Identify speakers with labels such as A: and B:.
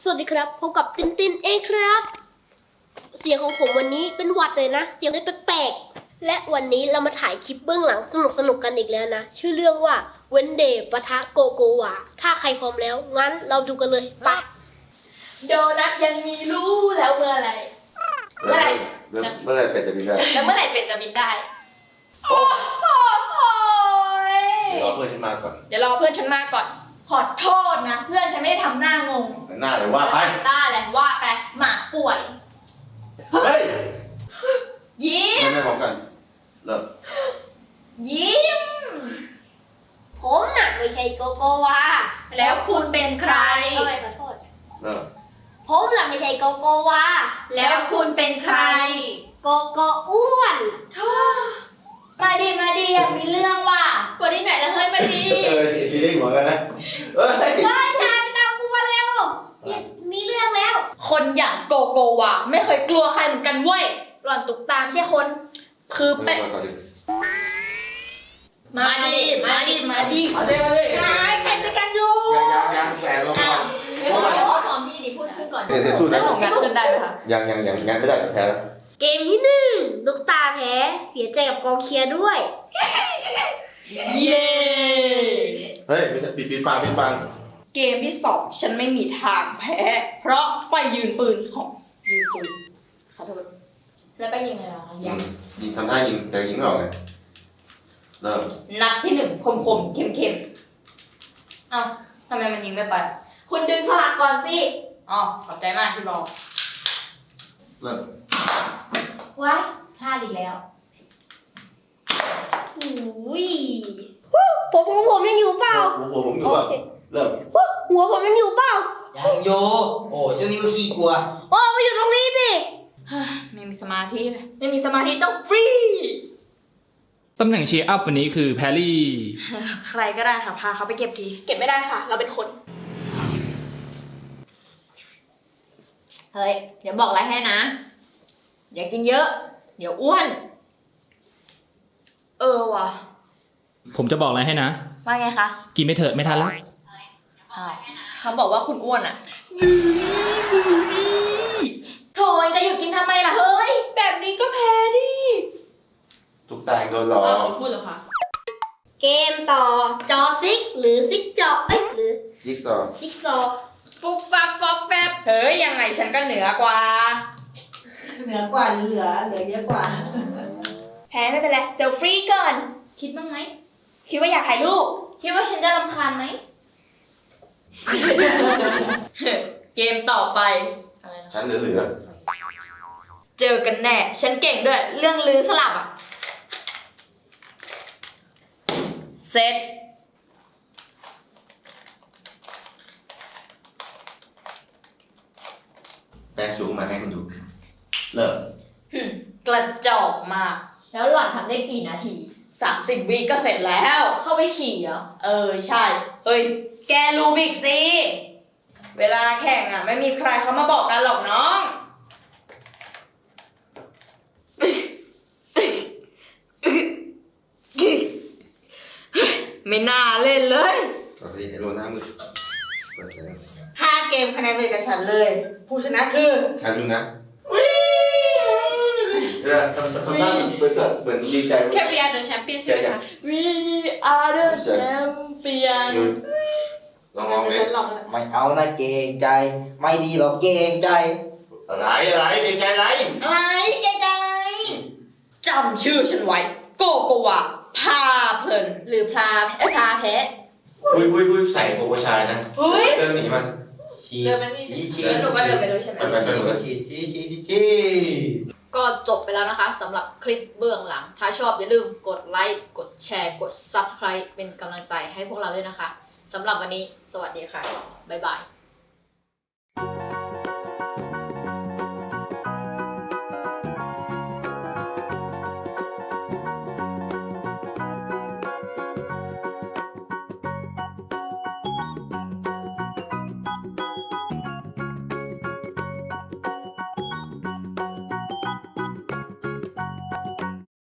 A: สวัสดีครับพบกับตินตินเองครับเสียงของผมวันนี้เป็นหวัดเลยนะเสียงเลยแปลกๆและวันนี้เรามาถ่ายคลิปเบื้องหลังสนุกกันอีกแล้วนะชื่อเรื่องว่าเวนเดย์ปะทะโกโกวาถ้าใครพร้อมแล้วงั้นเราดูกันเลยไป
B: โดนัทยังมีรู้แล้วเมื่อไหร่
C: เมื่อไหร่เป็ดจะบินได้
B: แล้วเมื่อไหร่เป็ดจะบินได้โอ้ย
C: เดี๋ยวรอเพื่อนฉันมาก่อน
B: เดี๋ยวรอเพื่อนฉันมาก่อนขอโทษนะเพื่อนฉันไม่ได้ทำหน้างง
C: หน้าเลยว่าไป
B: ได้แหละว่าไปหมาป่วย
C: เฮ้ย
B: ยิ้ม
C: ไม่พร้อมกันเริ่ม
B: ยิ้ม
A: ผมน่ะไม่ใช่โกโกวา
B: แล้วคุณเป็นใคร
A: ขอโทษ
C: เริ่ม
A: ผมน่ะไม่ใช่โกโกวา
B: แล้วคุณเป็นใคร
A: โกโกอ้วน
B: มาดีอยากมีเรื่องว่ะกว่าที่ไหนแล้วเฮ้ยมาดี
C: เสียฟีลิ่งเหมือนกันนะเฮ้ย
A: ชายไปตามกูมาเร็วมีเรื่องแล้ว
B: คนอย่างโกโกวะไม่เคยกลัวใครเหมือนกันเว้ยหล่อนตุกตามใช่คนคือเป๊ะมาดิ
C: มาดิ
A: ใครจะกันอยู่
C: ยังแฝงลงก่อน
B: เดี๋ยวขอพี่ดิพูดขึ้นก่อน
C: เดี๋ยวสู้
B: แล้
C: นะ
B: วของงานขึ้นได้ไหมคะ
C: ยังงานไม่ได้แพ้แล้ว
A: เกมที่หนึ่งลูกตาแพ้เสียใจกับกองเชียร์ด้วย
B: เย้
C: เฮ้ยไม่ใช่ปิดฟัง
B: เกมที่สองฉันไม่มีทางแพ้ เพราะไปยืนปืนของยืนปืนขอโทษแล้วไปยิงอะไรหรอ
C: ยิงทำท่ายิงแต่ยิงไม่ออกไงเริ่ม
B: นัดที่หนึ่งคมเข้มเอ้าทำไมมันยิงไม่ไปคุณดึงสลักก่อนสิอ๋อขอบใจมากที่บอก
C: เริ่ม
B: ว้ายพลาดอีกแล้ว
A: อุ้ยผมยังอยู่เปล่า
C: หัวผมอยู่ป่ะเริ่ม
A: หัวผมยังอยู่เปล่า
D: ยังโยโอ้เจ้านี่ก็ขี้กลัว
A: โอ้มาอยู่ตรงนี้สิ
B: ไม่มีสมาธิเลยไม่มีสมาธิต้องฟรี
E: ตำแหน่งเชียร์อัพวันนี้คือแพรรี่
B: ใครก็ได้ค่ะพาเขาไปเก็บทีเก็บไม่ได้ค่ะ เราเป็นคน
F: เฮ้ย เดี๋ยวบอกอะไรให้นะ อย่ากินเยอะ เดี๋ยวอ้วน
B: ว่ะ
E: ผมจะบอกอะไรให้นะ
B: ว่าไงคะ
E: กินไม่เถอะไม่ทันแล้ว
F: เขาบอกว่าคุณอ้วนอ่ะ
B: โถยจะหยุดกินทำไมล่ะเฮ้ย แบบนี้ก็แพ้ดิ
C: ทุกตายโดนหลอก
B: พูดเหรอคะ
A: เกมต่อจอซิกหรือซิกจอหรือ
C: จิ๊กซอว์
A: ซิกซอ
B: ฟุบฟับฟอบแฟบเฮ้ยยังไงฉันก็เหนือกว่า
G: เหนือกว่าหรือเหลือเยอะกว่า
B: แพ้ไม่เป็นไรเซลฟี่ก่อน คิดบ้างไหม คิดว่าอยากถ่ายรูป คิดว่าฉันจะรำคาญไหม เกมต่อไป
C: ฉันเหลือ
B: เจอกันแน่ ฉันเก่งด้วย เรื่องลือสลับอ่ะ เสร็จ
C: แปลงสูงมาให้คุณดูเริ่ม
B: กระจอกมาก
F: แล้วหล่อนทำได้กี่นาที
B: 30 วิก็เสร็จแล้ว
F: เข้าไปฉี่เหรอ
B: ใช่ เฮ้ย แกรูบิกสิ เวลาแข่งอ่ะ ไม่มีใครเขามาบอกกันหรอกน้อง ไม่น่าเล่นเลย
C: ปกติไฮโลหน้ามืดเปิดแสง
G: 5 เกมคะแนนเป็นกับฉันเลย ผู้ชนะคือ
C: ฉันดูนะทำหน้าเหมือนดีใจ
B: แค่ We are the champion ใช่ไหมคะ We are the champion
C: ลองเลย
B: ฉันหลอกแล้ว
D: ไม่เอานะเกรงใจ ไม่ดีหรอกเกรงใจ
C: อะไรเกรงใจอะไร
B: อะไรแกใจจำชื่อฉันไว้ โกโกวาพาเพลิน
F: หรือพาแพ้
C: คุยใส่โปรโมชั่นนะ
B: เฮ้ย
C: เดินหนีมัน
B: เดินไปนี่
D: ชี้
B: แล้วหนูก็เดินไปด้วยใช่ไหม
C: ไปหนูกัน
D: ชี้
F: ก็จบไปแล้วนะคะสำหรับคลิปเบื้องหลัง ถ้าชอบอย่าลืมกดไลค์ กดแชร์ กด Subscribe เป็นกำลังใจให้พวกเราด้วยนะคะสำหรับวันนี้สวัสดีค่ะ บ๊ายบาย